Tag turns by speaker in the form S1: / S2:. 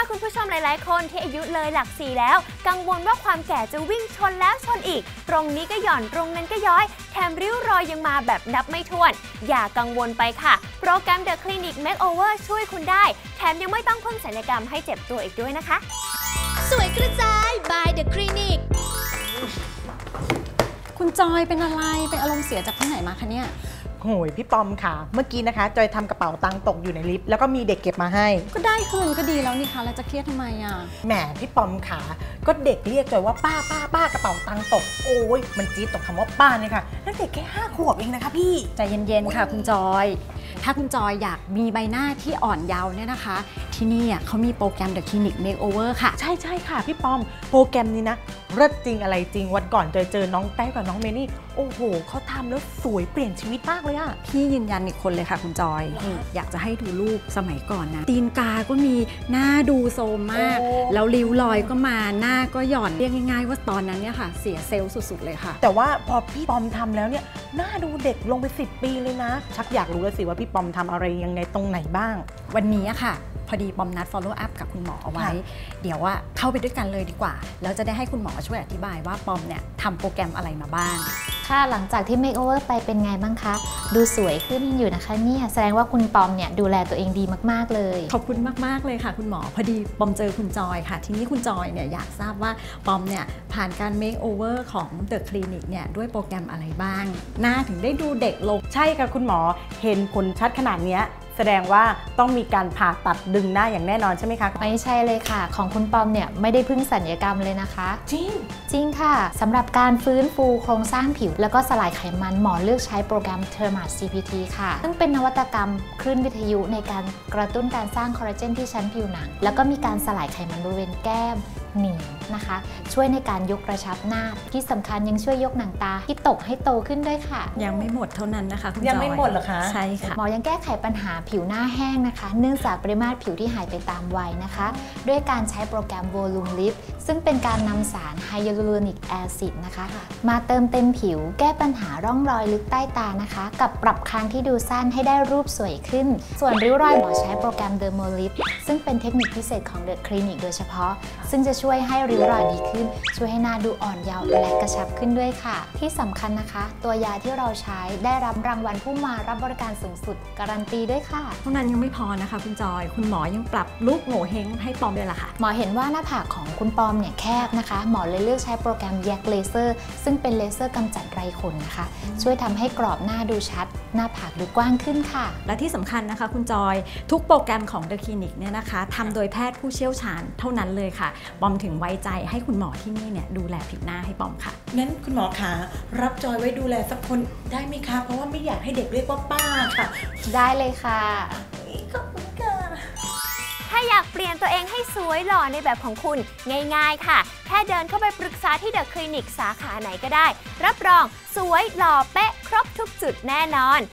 S1: คุณผู้ชมหลายๆคนที่อายุเลยหลัก4แล้วกังวลว่าความแก่จะวิ่งชนแล้วชนอีกตรงนี้ก็หย่อนตรงนั้นก็ย้อยแถมริ้วรอยยังมาแบบนับไม่ถ้วนอย่ากังวลไปค่ะโปรแกรม The Clinic Makeover ช่วยคุณได้แถมยังไม่ต้องพึ่งศัลยกรรมให้เจ็บตัวอีกด้วยนะคะ
S2: สวยกระจาย by The Clinic
S3: คุณจอยเป็นอะไรเป็นอารมณ์เสียจากที่ไหนมาคะเนี่ย
S4: โหยพี่ปอมค่ะเมื่อกี้นะคะจอยทำกระเป๋าตังค์ตกอยู่ในลิฟต์แล้วก็มีเด็กเก็บมาให้
S3: ก็ได้คืนก็ดีแล้วนี่คะแล้วจะเครียดทำไมอ่ะ
S4: แหมพี่ปอมค่ะก็เด็กเรียกจอยว่าป้ากระเป๋าตังค์ตกโอ้ยมันจี๊ดตกคำว่าป้าเนี่ยค่ะแล้วเด็กแค่5 ขวบเองนะคะพี่
S3: ใจเย็นๆค่ะคุณจอยถ้าคุณจอยอยากมีใบหน้าที่อ่อนเยาว์เนี่ยนะคะที่นี่เขามีโปรแกรม The Clinic Makeover ค่ะ
S4: ใช่ค่ะพี่ปอมโปรแกรมนี้นะเลิศจริงอะไรจริงวันก่อนจอยเจอน้องแต้วกับน้องเมนี่โอ้โหเขาทำแล้วสวยเปลี่ยนชีวิตมากเลยอะ
S3: พี่ยืนยันอีกคนเลยค่ะคุณจอยอยากจะให้ดูรูปสมัยก่อนนะตีนกาก็มีหน้าดูโซมมากแล้วริ้วรอยก็มาหน้าก็หย่อนเรียกง่ายๆว่าตอนนั้นเนี่ยค่ะเสียเซลล์สุดๆเลยค่ะ
S4: แต่ว่าพอพี่ปอมทำแล้วเนี่ยหน้าดูเด็กลงไป10 ปีเลยนะชักอยากรู้แล้วสิว่าพี่ปอมทำอะไรยังไงตรงไหนบ้าง
S3: วันนี้ค่ะพอดีปอมนัด follow up กับคุณหมอเอาไว้เดี๋ยวว่าเข้าไปด้วยกันเลยดีกว่าแล้วจะได้ให้คุณหมอช่วยอธิบายว่าปอมเนี่ยทำโปรแกรมอะไรมาบ้าง
S5: ค่ะหลังจากที่ Makeover ไปเป็นไงบ้างคะดูสวยขึ้นอยู่นะคะเนี่ยแสดงว่าคุณปอมเนี่ยดูแลตัวเองดีมากๆเลย
S3: ขอบคุณมากๆเลยค่ะคุณหมอพอดีปอมเจอคุณจอยค่ะทีนี้คุณจอยเนี่ยอยากทราบว่าปอมเนี่ยผ่านการ Makeover ของ The Clinic เนี่ยด้วยโปรแกรมอะไรบ้างหน้าถึงได้ดูเด็กลง
S4: ใช่ค่ะคุณหมอเห็นผลชัดขนาดนี้แสดงว่าต้องมีการผ่าตัดดึงหน้าอย่างแน่นอนใช่ไหมคะ
S5: ไม่ใช่เลยค่ะของคุณปอมเนี่ยไม่ได้พึ่งศัลยกรรมเลยนะคะ
S4: จริง
S5: ค่ะสำหรับการฟื้นฟูโครงสร้างผิวแล้วก็สลายไขมันหมอเลือกใช้โปรแกรม Thermate CPT ค่ะซึ่งเป็นนวัตกรรมคลื่นวิทยุในการกระตุ้นการสร้างคอลลาเจนที่ชั้นผิวหนังแล้วก็มีการสลายไขมันบริเวณแก้มหนีบนะคะช่วยในการยกกระชับหน้าที่สำคัญยังช่วยยกหนังตาที่ตกให้โตขึ้นด้วยค่ะ
S3: ยังไม่หมดเท่านั้นนะคะคุณจอย
S4: ยังไม่หมดเหรอคะ
S3: ใช่ค่ะ
S5: หมอยังแก้ไขปัญหาผิวหน้าแห้งนะคะเนื่องจากปริมาตรผิวที่หายไปตามวัยนะคะด้วยการใช้โปรแกรม Volume Lift ซึ่งเป็นการนำสารไฮยาลูโรนิกแอซิดนะคะมาเติมเต็มผิวแก้ปัญหาร่องรอยลึกใต้ตานะคะกับปรับคางที่ดูสั้นให้ได้รูปสวยขึ้นส่วนริ้วรอยหมอใช้โปรแกรม Dermo Lift ซึ่งเป็นเทคนิคพิเศษของ The Clinic โดยเฉพาะซึ่งจะช่วยให้ริ้วรอยดีขึ้นช่วยให้หน้าดูอ่อนเยาว์และกระชับขึ้นด้วยค่ะที่สำคัญนะคะตัวยาที่เราใช้ได้รับรางวัลผู้มารับบริการสูงสุดการันตีด้วยค่ะ
S3: เท่านั้นยังไม่พอนะคะคุณจอยคุณหมอยังปรับรูปโง่เฮงให้ปอมด้วยล่ะค่ะ
S5: หมอเห็นว่าหน้าผากของคุณปอมเนี่ยแคบนะคะหมอเลยเลือกใช้โปรแกรมแยกเลเซอร์ซึ่งเป็นเลเซอร์กำจัดไรขนนะคะช่วยทำให้กรอบหน้าดูชัดหน้าผากดูกว้างขึ้นค่ะ
S3: และที่สำคัญนะคะคุณจอยทุกโปรแกรมของ The Clinic เนี่ยนะคะทำโดยแพทย์ผู้เชี่ยวชาญเท่านั้นเลยค่ะปอมถึงไว้ใจให้คุณหมอที่นี่เนี่ยดูแลผิวหน้าให้ปอมค่ะ
S4: งั้นคุณหมอคะรับจอยไว้ดูแลสักคนได้ไหมคะเพราะว่าไม่อยากให้เด็กเรียกว่าป้าค่ะ
S5: ได้เลยค่ะ
S4: ขอบคุณค่ะ
S1: ถ้าอยากเปลี่ยนตัวเองให้สวยหล่อในแบบของคุณง่ายๆค่ะแค่เดินเข้าไปปรึกษาที่ The Clinic สาขาไหนก็ได้รับรองสวยหล่อเป๊ะครบทุกจุดแน่นอน